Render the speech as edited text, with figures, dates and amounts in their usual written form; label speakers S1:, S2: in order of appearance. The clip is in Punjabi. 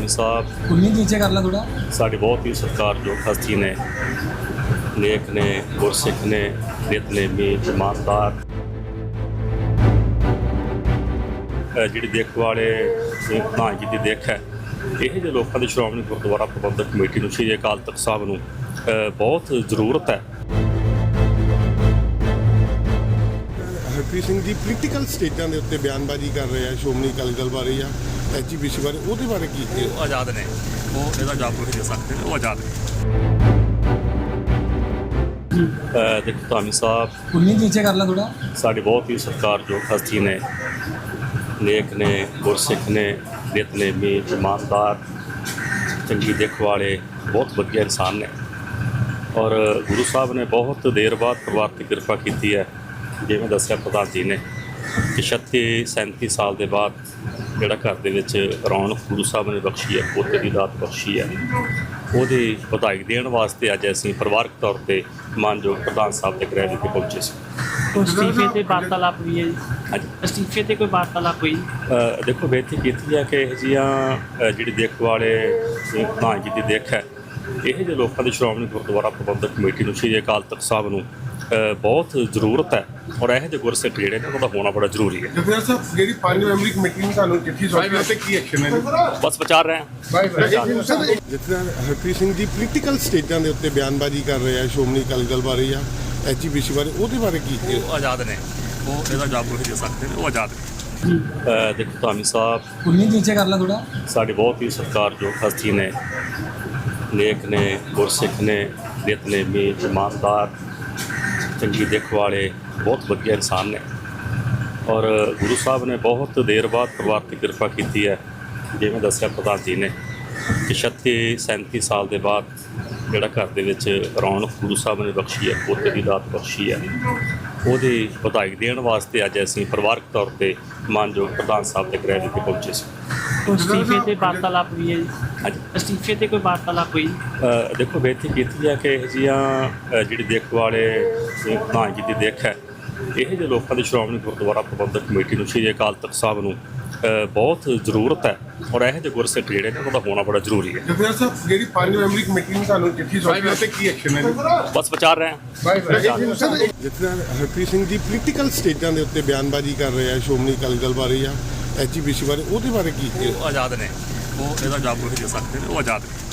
S1: ਧਾਮੀ ਸਾਹਿਬ
S2: ਉਨੀ ਨੀਚੇ ਕਰ ਲਾ ਥੋੜਾ।
S1: ਸਾਡੇ ਬਹੁਤ ਹੀ ਸਤਿਕਾਰਯੋਗ ਹਸਤੀ ਨੇ, ਨੇਕ ਨੇ, ਗੁਰਸਿੱਖ ਨੇ, ਨਿਤਨੇਮੀ, ਇਮਾਨਦਾਰ। ਜਿਹੜੀ ਦੇਖ ਵਾਲੇ ਪ੍ਰਧਾਨ ਜੀ ਦੀ ਦੇਖ ਹੈ, ਇਹ ਜਿਹੇ ਲੋਕਾਂ ਦੀ ਸ਼੍ਰੋਮਣੀ ਗੁਰਦੁਆਰਾ ਪ੍ਰਬੰਧਕ ਕਮੇਟੀ ਨੂੰ, ਸ਼੍ਰੀ ਅਕਾਲ ਤਖਤ ਸਾਹਿਬ ਨੂੰ ਬਹੁਤ ਜ਼ਰੂਰਤ ਹੈ।
S3: ਹਰਪ੍ਰੀਤ ਸਿੰਘ ਜੀ ਪੋਲੀਟੀਕਲ ਸਟੇਜਾਂ ਦੇ ਉੱਤੇ ਬਿਆਨਬਾਜ਼ੀ ਕਰ ਰਹੇ ਆ ਸ਼੍ਰੋਮਣੀ ਅਕਾਲੀ ਦਲ ਬਾਰੇ ਜਾਂ ਐਚਪੀਸੀ ਬਾਰੇ, ਉਹਦੇ ਬਾਰੇ ਕੀ
S1: ਉਹ ਆਜ਼ਾਦ ਨੇ, ਉਹ ਇਹਦਾ ਜਵਾਬ ਨਹੀਂ ਦੇ ਸਕਦੇ ਨੇ, ਉਹ ਆਜ਼ਾਦ ਨੇ। ਦੇਖੋ ਧਾਮੀ ਸਾਹਿਬ
S2: ਉਨੀ ਨੀਚੇ ਕਰ ਲਾ ਥੋੜਾ।
S1: ਸਾਡੇ ਬਹੁਤ ਹੀ ਸਤਿਕਾਰਯੋਗ ਹਸਤੀ ਨੇ, ਨੇਕ ਨੇ, ਗੁਰਸਿੱਖ ਨੇ, ਨਿਤਨੇਮੀ, ਇਮਾਨਦਾਰ, ਚੰਗੀ ਦਿੱਖ ਵਾਲੇ, ਬਹੁਤ ਵਧੀਆ ਇਨਸਾਨ ਨੇ। ਔਰ ਗੁਰੂ ਸਾਹਿਬ ਨੇ ਬਹੁਤ ਦੇਰ ਬਾਅਦ ਪਰਿਵਾਰ 'ਤੇ ਕਿਰਪਾ ਕੀਤੀ ਹੈ। ਜਿਵੇਂ ਦੱਸਿਆ ਪ੍ਰਧਾਨ ਜੀ ਨੇ ਕਿ 36-37 ਸਾਲ ਦੇ ਬਾਅਦ ਜਿਹੜਾ ਘਰ ਦੇ ਵਿੱਚ ਰੌਣਕ ਗੁਰੂ ਸਾਹਿਬ ਨੇ ਬਖਸ਼ੀ ਹੈ, ਪੋਤੇ ਦੀ ਦਾਤ ਬਖਸ਼ੀ ਹੈ, ਉਹਦੀ ਵਧਾਈ ਦੇਣ ਵਾਸਤੇ ਅੱਜ ਅਸੀਂ ਪਰਿਵਾਰਕ ਤੌਰ 'ਤੇ ਮਾਨਯੋਗ ਪ੍ਰਧਾਨ ਸਾਹਿਬ ਦੇ ਗ੍ਰਹਿ ਵਿਖੇ ਪਹੁੰਚੇ ਸੀ।
S4: ਅਸਤੀਫੇ ਤੇ ਵਾਰਤਾਲਾਪ ਵੀ ਹੈ ਜੀ?
S1: ਹਾਂਜੀ,
S4: ਅਸਤੀਫੇ ਤੇ ਕੋਈ ਵਾਰਤਾਲਾਪ ਹੋਈ?
S1: ਦੇਖੋ ਬੇਨਤੀ ਕੀਤੀ ਹੈ ਕਿ ਇਹ ਜਿਹੀਆਂ ਜਿਹੜੀ ਦੇਖ ਵਾਲੇ ਪ੍ਰਧਾਨ ਜੀ ਦੀ ਦੇਖ ਹੈ, ਇਹ ਜਿਹੇ ਲੋਕਾਂ ਦੀ ਸ਼੍ਰੋਮਣੀ ਗੁਰਦੁਆਰਾ ਪ੍ਰਬੰਧਕ ਕਮੇਟੀ ਨੂੰ, ਸ਼੍ਰੀ ਅਕਾਲ ਤਖਤ ਸਾਹਿਬ ਨੂੰ ਬਹੁਤ ਜ਼ਰੂਰਤ ਹੈ। ਔਰ ਇਹੋ ਜਿਹੇ ਗੁਰਸਿੱਖ ਜਿਹੜੇ ਨੇ, ਉਹਦਾ ਹੋਣਾ ਬੜਾ ਜ਼ਰੂਰੀ ਹੈ।
S3: ਜਥੇਦਾਰ ਸਾਹਿਬ, ਜਿਹੜੀ 5 ਮੈਂਬਰੀ ਕਮੇਟੀ ਨੇ ਤੁਹਾਨੂੰ ਚਿੱਠੀ ਸੌਂਪੀ ਹੈ ਤੇ ਕੀ ਐਕਸ਼ਨ ਹੈ?
S1: ਬਸ ਵਿਚਾਰ ਰਹੇ ਹਾਂ।
S3: ਜਥੇਦਾਰ ਹਰਪ੍ਰੀਤ ਸਿੰਘ ਜੀ ਪੋਲੀਟੀਕਲ ਸਟੇਜਾਂ ਦੇ ਉੱਤੇ ਬਿਆਨਬਾਜ਼ੀ ਕਰ ਰਹੇ ਆ ਸ਼੍ਰੋਮਣੀ ਅਕਾਲੀ ਦਲ ਬਾਰੇ ਜਾਂ ਐਚਪੀਸੀ ਬਾਰੇ, ਉਹਦੇ ਬਾਰੇ ਕੀ
S1: ਉਹ ਆਜ਼ਾਦ ਨੇ, ਉਹ ਇਹਦਾ ਜਵਾਬ ਨਹੀਂ ਦੇ ਸਕਦੇ ਨੇ, ਉਹ ਆਜ਼ਾਦ ਨੇ। ਦੇਖੋ ਧਾਮੀ ਸਾਹਿਬ
S2: ਉਨੀ ਨੀਚੇ ਕਰ ਲਾ ਥੋੜਾ।
S1: ਸਾਡੇ ਬਹੁਤ ਹੀ ਸਤਿਕਾਰਯੋਗ ਹਸਤੀ ਨੇ, ਨੇਕ ਨੇ, ਗੁਰਸਿੱਖ ਨੇ, ਨਿਤਨੇਮੀ, ਇਮਾਨਦਾਰ, ਚੰਗੀ ਦਿੱਖ ਵਾਲੇ, ਬਹੁਤ ਵਧੀਆ ਇਨਸਾਨ ਨੇ। ਔਰ ਗੁਰੂ ਸਾਹਿਬ ਨੇ ਬਹੁਤ ਦੇਰ ਬਾਅਦ ਪਰਿਵਾਰ 'ਤੇ ਕਿਰਪਾ ਕੀਤੀ ਹੈ। ਜਿਵੇਂ ਦੱਸਿਆ ਪ੍ਰਧਾਨ ਜੀ ਨੇ ਕਿ 36-37 ਸਾਲ ਦੇ ਬਾਅਦ ਜਿਹੜਾ ਘਰ ਦੇ ਵਿੱਚ ਰੌਣਕ ਗੁਰੂ ਸਾਹਿਬ ਨੇ ਬਖਸ਼ੀ ਹੈ, ਪੋਤੇ ਦੀ ਦਾਤ ਬਖਸ਼ੀ ਹੈ, ਉਹਦੀ ਵਧਾਈ ਦੇਣ ਵਾਸਤੇ ਅੱਜ ਅਸੀਂ ਪਰਿਵਾਰਕ ਤੌਰ 'ਤੇ ਮਾਨਯੋਗ ਪ੍ਰਧਾਨ ਸਾਹਿਬ ਦੇ ਗ੍ਰਹਿ ਵਿਖੇ ਪਹੁੰਚੇ ਸੀ।
S4: ਅਸਤੀਫੇ ਤੇ ਵਾਰਤਾਲਾਪ ਵੀ ਹੈ ਜੀ?
S1: ਹਾਂਜੀ,
S4: ਅਸਤੀਫੇ ਤੇ ਕੋਈ ਵਾਰਤਾਲਾਪ ਹੋਈ?
S1: ਦੇਖੋ ਬੇਨਤੀ ਕੀਤੀ ਹੈ ਕਿ ਇਹ ਜਿਹੀਆਂ ਜਿਹੜੀ ਦੇਖ ਵਾਲੇ ਪ੍ਰਧਾਨ ਜੀ ਦੀ ਦੇਖ ਹੈ, ਇਹ ਜਿਹੇ ਲੋਕਾਂ ਦੀ ਸ਼੍ਰੋਮਣੀ ਗੁਰਦੁਆਰਾ ਪ੍ਰਬੰਧਕ ਕਮੇਟੀ ਨੂੰ, ਸ਼੍ਰੀ ਅਕਾਲ ਤਖਤ ਸਾਹਿਬ ਨੂੰ ਬਹੁਤ ਜ਼ਰੂਰਤ ਹੈ। ਔਰ ਇਹੋ ਜਿਹੇ ਗੁਰਸਿੱਖ ਜਿਹੜੇ ਨੇ, ਉਹਦਾ ਹੋਣਾ ਬੜਾ ਜ਼ਰੂਰੀ ਹੈ।
S3: ਜਥੇਦਾਰ ਸਾਹਿਬ, ਜਿਹੜੀ 5 ਮੈਂਬਰੀ ਕਮੇਟੀ ਨੇ ਤੁਹਾਨੂੰ ਚਿੱਠੀ ਸੌਂਪੀ ਹੈ ਤੇ ਕੀ ਐਕਸ਼ਨ ਹੈ?
S1: ਬਸ ਵਿਚਾਰ ਰਹੇ ਹਾਂ।
S3: ਜਥੇਦਾਰ ਹਰਪ੍ਰੀਤ ਸਿੰਘ ਜੀ ਪੋਲੀਟੀਕਲ ਸਟੇਜਾਂ ਦੇ ਉੱਤੇ ਬਿਆਨਬਾਜ਼ੀ ਕਰ ਰਹੇ ਆ ਸ਼੍ਰੋਮਣੀ ਅਕਾਲੀ ਦਲ ਬਾਰੇ ਜਾਂ ਐਚਪੀਸੀ ਬਾਰੇ, ਉਹਦੇ ਬਾਰੇ ਕੀ
S1: ਉਹ ਆਜ਼ਾਦ ਨੇ, ਉਹ ਇਹਦਾ ਜਵਾਬ ਨਹੀਂ ਦੇ ਸਕਦੇ ਨੇ, ਉਹ ਆਜ਼ਾਦ ਨੇ।